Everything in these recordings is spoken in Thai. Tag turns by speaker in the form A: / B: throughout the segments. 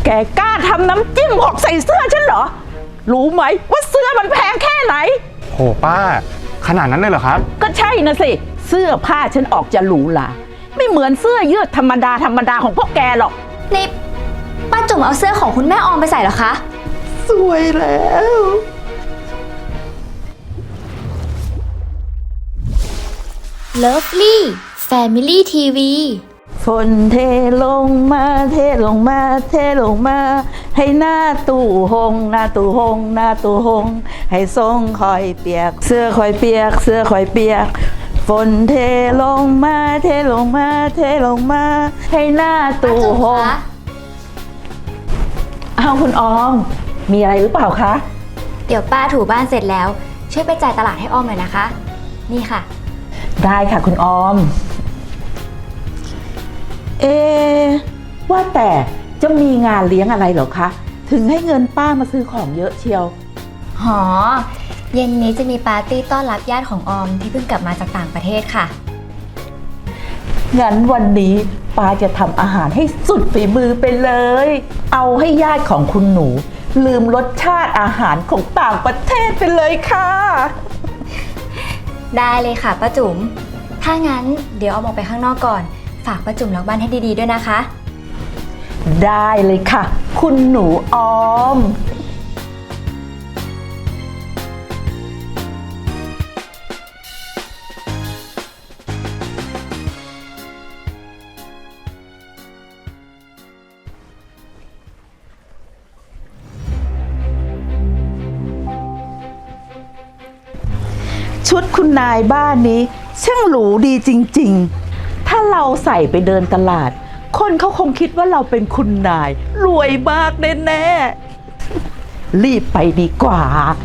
A: กกล้าทำน้ำจิ้มหกใส่เสื้อฉันเหรอรู้ไหมว่าเสื้อมันแพงแค่ไหน
B: โหป้าขนาดนั้นเลยเหรอครับ
A: ก็ใช่นะสิเสื้อผ้าฉันออกจะหรูหราไม่เหมือนเสื้อยืดธรรมดาของพวกแกหรอก
C: นี่ป้าจุ๋มเอาเสื้อของคุณแม่ออมไปใส่เหรอคะ
A: สวยแล้ว
C: Lovely Family TV
A: ฝนเทลงมาเทลงมาเทลงมาให้หน้าตู้หงหน้าตู้หงหน้าตู้หงให้ทรงคอยเปียกเสื้อคอยเปียกเสื้อคอยเปียกฝนเทลงมาเทลงมาเทลงมาให้หน้าตู้หงเอาคุณออมมีอะไรหรือเปล่าคะ
C: เดี๋ยวป้าถูบ้านเสร็จแล้วช่วยไปจ่ายตลาดให้ออมหน่อยนะคะนี่ค่ะ
A: ได้ค่ะคุณออมว่าแต่จะมีงานเลี้ยงอะไรเหรอคะถึงให้เงินป้ามาซื้อของเยอะเชียว
C: เย็นนี้จะมีปาร์ตี้ต้อนรับญาติของออมที่เพิ่งกลับมาจากต่างประเทศค่ะ
A: งั้นวันนี้ป้าจะทำอาหารให้สุดฝีมือไปเลยเอาให้ญาติของคุณหนูลืมรสชาติอาหารของต่างประเทศไปเลยค่ะ
C: ได้เลยค่ะป้าจุ๋มถ้างั้นเดี๋ยวออมออกไปข้างนอกก่อนฝากป้าจุ๋มล็อกบ้านให้ดีๆด้วยนะคะ
A: ได้เลยค่ะคุณหนูออมชุดคุณนายบ้านนี้ช่างหรูดีจริงๆถ้าเราใส่ไปเดินตลาดคนเขาคงคิดว่าเราเป็นคุณนายรวยมากแน่ๆรีบไปดีกว่า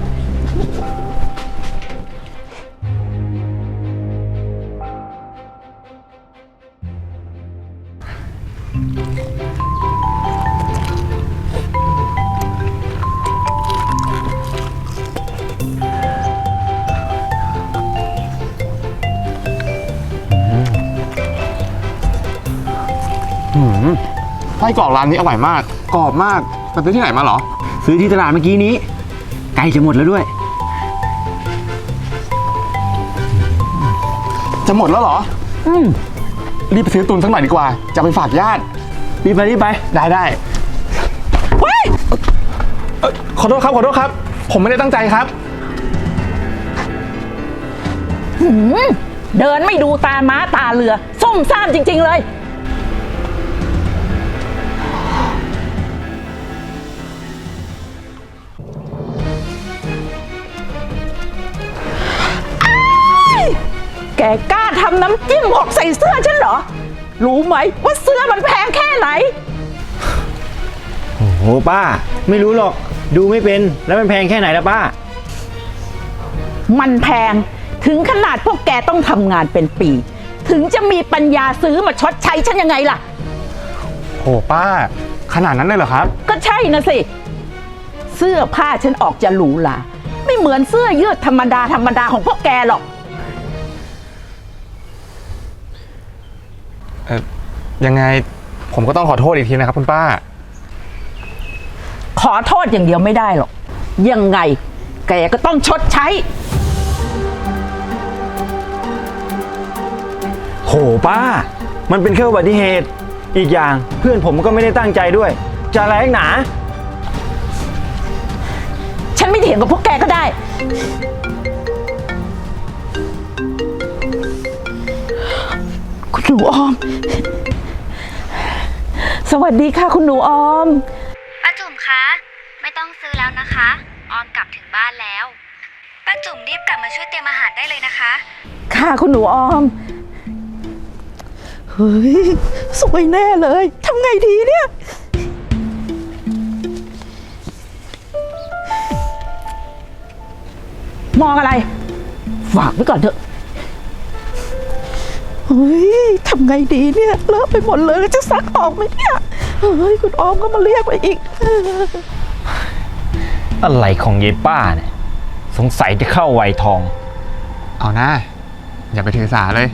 B: ไส้กรอกร้านนี้อร่อยมากกรอบมากไปซื้อที่ไหนมาเหรอ
D: ซื้อที่ตลาดเมื่อกี้นี้ใกล้จะหมดแล้วด้วย
B: จะหมดแล้วเหรอรีบไปซื้อตุนสักหน่อยดีกว่าจะไปฝากญาติ
D: รีบไป
B: ได้ขอโทษครับผมไม่ได้ตั้งใจครับ
A: เดินไม่ดูตาม้าตาเรือส้มซ่ามจริงๆเลยแกกล้าทำน้ำจิ้มหกใส่เสื้อฉันเหรอรู้ไหมว่าเสื้อมันแพงแค่ไหน
D: โอ้โหป้าไม่รู้หรอกดูไม่เป็นแล้วมันแพงแค่ไหนล่ะป้า
A: มันแพงถึงขนาดพวกแกต้องทำงานเป็นปีถึงจะมีปัญญาซื้อมาชดใช้ฉันยังไงล่ะ
B: โหป้าขนาดนั้นเลยเหรอครับ
A: ก็ใช่นะสิเสื้อผ้าฉันออกจะหรูหราไม่เหมือนเสื้อยืดธรรมดาของพวกแกหรอก
B: ยังไงผมก็ต้องขอโทษอีกทีนะครับคุณป้า
A: ขอโทษอย่างเดียวไม่ได้หรอกยังไงแกก็ต้องชดใช้
D: โหป้ามันเป็นแค่อุบัติเหตุอีกอย่างเพื่อนผมก็ไม่ได้ตั้งใจด้วยจะอะไรนักหนา
A: ฉันไม่เถียงกับพวกแกก็ได้คุณหนูออมสวัสดีค่ะคุณหนูออม
C: ป้าจุ๋มคะไม่ต้องซื้อแล้วนะคะออมกลับถึงบ้านแล้วป้าจุ๋มรีบกลับมาช่วยเตรียมอาหารได้เลยนะคะ
A: ค่ะคุณหนูออมเฮ้ยสวยแน่เลยทำไงดีเนี่ยมองอะไรฝากไว้ก่อนเถอะเฮ้ยทำไงดีเนี่ยเลอะไปหมดเลยจะซักออกไหมเนี่ยเฮ้ยคุณออมก็มาเรียกไปอีก
D: อะไรของยายป้าเนี่ยสงสัยจะเข้าวัยทอง
B: เอาหน้าอย่าไปถือสาเลย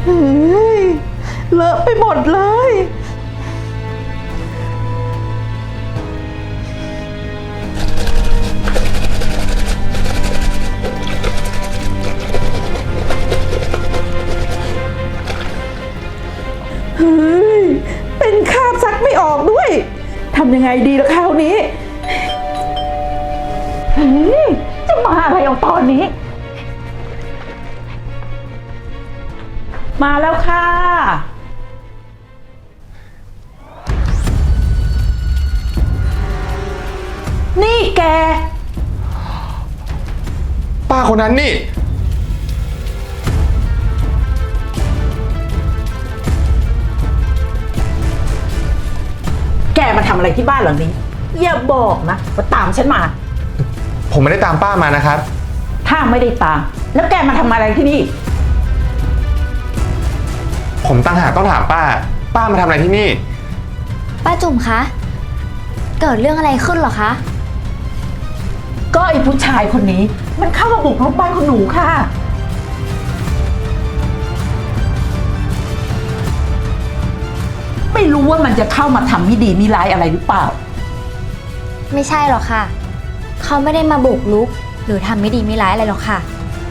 A: เฮ้ยเลอะไปหมดเลย เฮ้ย เป็นคราบซักไม่ออกด้วย ทำยังไงดีล่ะคราวนี้เฮ้ยจะมาอะไรเอาตอนนี้ มาแล้วค่ะ นี่แก
B: ป้าคนนั้นนี่
A: แกมาทำอะไรที่บ้านหลังนี้ อย่าบอกนะว่าตามฉันมา
B: ผมไม่ได้ตามป้ามานะครับ
A: ถ้าไม่ได้ตาม แล้วแกมาทำอะไรที่นี่
B: ผมตั้งหากต้องถามป้า ป้ามาทำอะไรที่นี่
C: ป้าจุ๋มคะ เกิดเรื่องอะไรขึ้นเหรอคะ
A: ก็ไอ้ผู้ชายคนนี้ มันเข้ามาบุกรุกบ้านคุณหนูค่ะ ไม่รู้ว่ามันจะเข้ามาทำไม่ดีไม่ร้ายอะไรหรือเปล่า
C: ไม่ใช่หรอกค่ะ เขาไม่ได้มาบุกรุก หรือทำไม่ดีไม่ร้ายอะไรหรอกค่ะ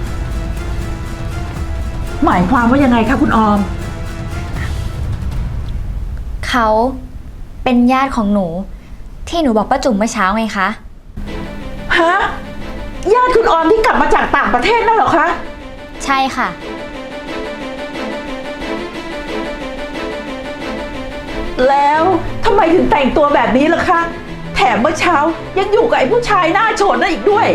A: หมายความว่ายังไงคะคุณออม
C: เขาเป็นญาติของหนู ที่หนูบอกป้าจุ๋มเมื่อเช้าไงคะ
A: ฮะ ญาติคุณออมที่กลับมาจากต่างประเทศนั่นเหรอคะ
C: ใช่ค่ะ
A: แล้วทำไมถึงแต่งตัวแบบนี้ล่ะคะ แถมเมื่อเช้ายังอยู่กับไอ้ผู้ชายหน้าโฉดนั่นอีกด้วย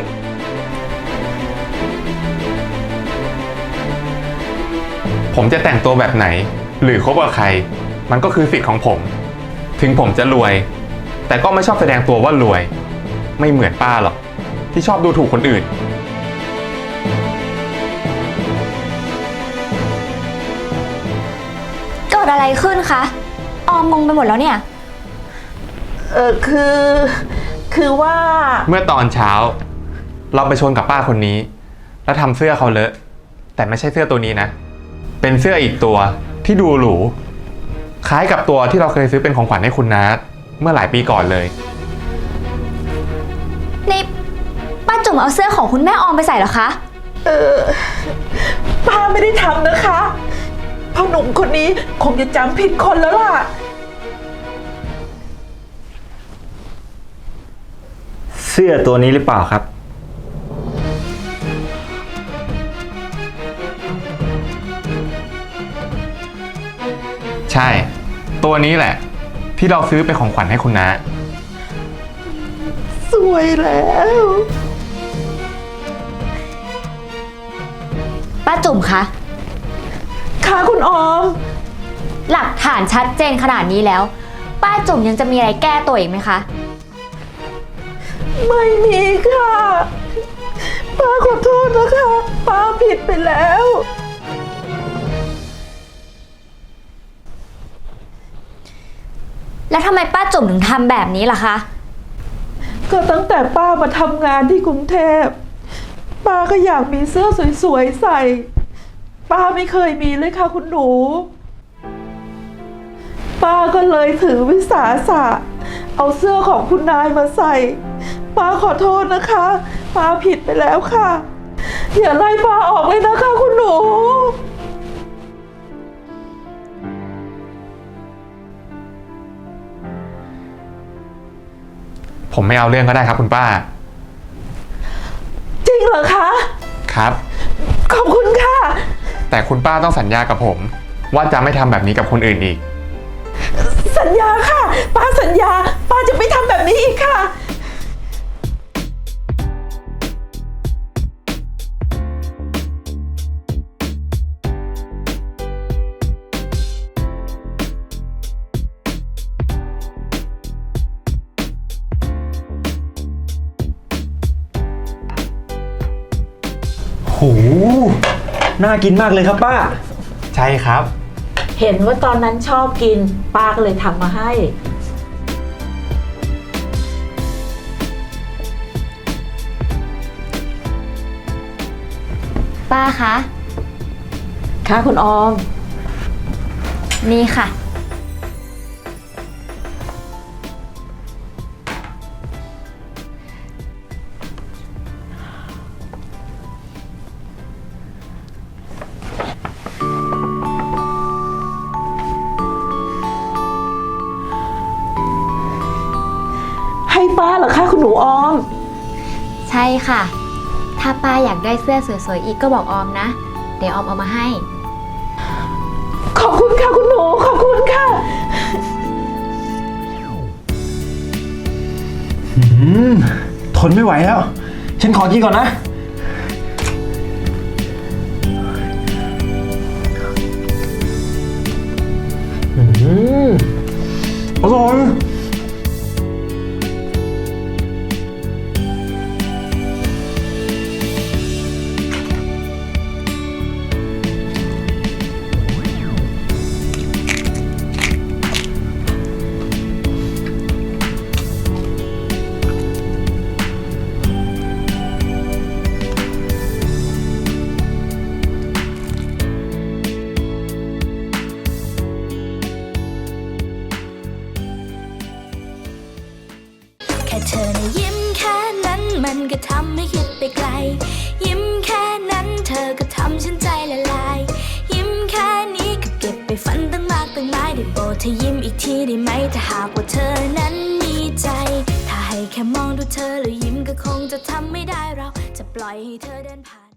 B: ผมจะแต่งตัวแบบไหน หรือคบกับใคร มันก็คือสิทธิ์ของผม ถึงผมจะรวย แต่ก็ไม่ชอบแสดงตัวว่ารวย ไม่เหมือนป้าหรอก ที่ชอบดูถูกคนอื่น
C: เกิดอะไรขึ้นคะ ออมงงไปหมดแล้วเนี่ย
A: คือว่า
B: เมื่อตอนเช้า เราไปชนกับป้าคนนี้ แล้วทำเสื้อเขาเลอะ แต่ไม่ใช่เสื้อตัวนี้นะ เป็นเสื้ออีกตัวที่ดูหรู คล้ายกับตัวที่เราเคยซื้อเป็นของขวัญให้คุณน้าเมื่อหลายปีก่อนเลย
C: นี่ป้าจุ๋มเอาเสื้อของคุณแม่ออมไปใส่เหรอคะ
A: ป้าไม่ได้ทำนะคะพ่อหนุ่มคนนี้คงจะจำผิดคนแล้วล่ะ
D: เสื้อตัวนี้หรือเปล่าครับ
B: ใช่ ตัวนี้แหละ ที่เราซื้อเป็นของขวัญให้คุณน้า
A: สวยแล้ว
C: ป้าจุ๋มคะ
A: ค่ะคุณออม
C: หลักฐานชัดเจนขนาดนี้แล้ว ป้าจุ๋มยังจะมีอะไรแก้ตัวอีกไหมคะ
A: ไม่มีค่ะ ป้าขอโทษนะคะ ป้าผิดไปแล้ว
C: แล้วทำไมป้าจุ๋มถึงทำแบบนี้ล่ะคะ
A: ก็ตั้งแต่ป้ามาทำงานที่กรุงเทพ ป้าก็อยากมีเสื้อสวยๆใส่ ป้าไม่เคยมีเลยค่ะคุณหนู ป้าก็เลยถือวิสาสะเอาเสื้อของคุณนายมาใส่ ป้าขอโทษนะคะ ป้าผิดไปแล้วค่ะ อย่าไล่ป้าออกเลยนะคะคุณหนู
B: ผมไม่เอาเรื่องก็ได้ครับคุณป้า
A: จริงเหรอคะ
B: ครับ
A: ขอบคุณค่ะ
B: แต่คุณป้าต้องสัญญากับผม ว่าจะไม่ทำแบบนี้กับคนอื่นอีก
A: สัญญาค่ะ ป้าสัญญา ป้าจะไม่ทำแบบนี้อีกค่ะ
D: โห น่ากินมากเลยครับป้า
B: ใช่ครับ
A: เห็นว่าตอนนั้นชอบกิน ป้าก็เลยทำมาให้
C: ป้าคะ
A: ค่ะคุณออม
C: นี่ค่ะ
A: ให้ป้าเหรอคะคุณหนูออม
C: ใช่ค่ะ ถ้าป้าอยากได้เสื้อสวยๆอีกก็บอกออมนะ เดี๋ยวออมเอามาให้
A: ขอบคุณค่ะคุณหนูขอบคุณค่ะ
D: ทนไม่ไหวแล้ว ฉันขอกินก่อนนะ อร่อย
E: แค่เธอนะยิ้มแค่นั้นมันก็ทำให้คิดไปไกล ยิ้มแค่นั้นเธอก็ทำฉันใจละลาย ยิ้มแค่นี้ก็เก็บไปฝันตั้งมากตั้งหลายได้โปรดเธอยิ้มอีกทีได้ไหมถ้าหากว่าเธอนั้นมีใจ ถ้าให้แค่มองดูเธอแล้วยิ้มก็คงจะทำไม่ได้เราจะปล่อยให้เธอเดินผ่าน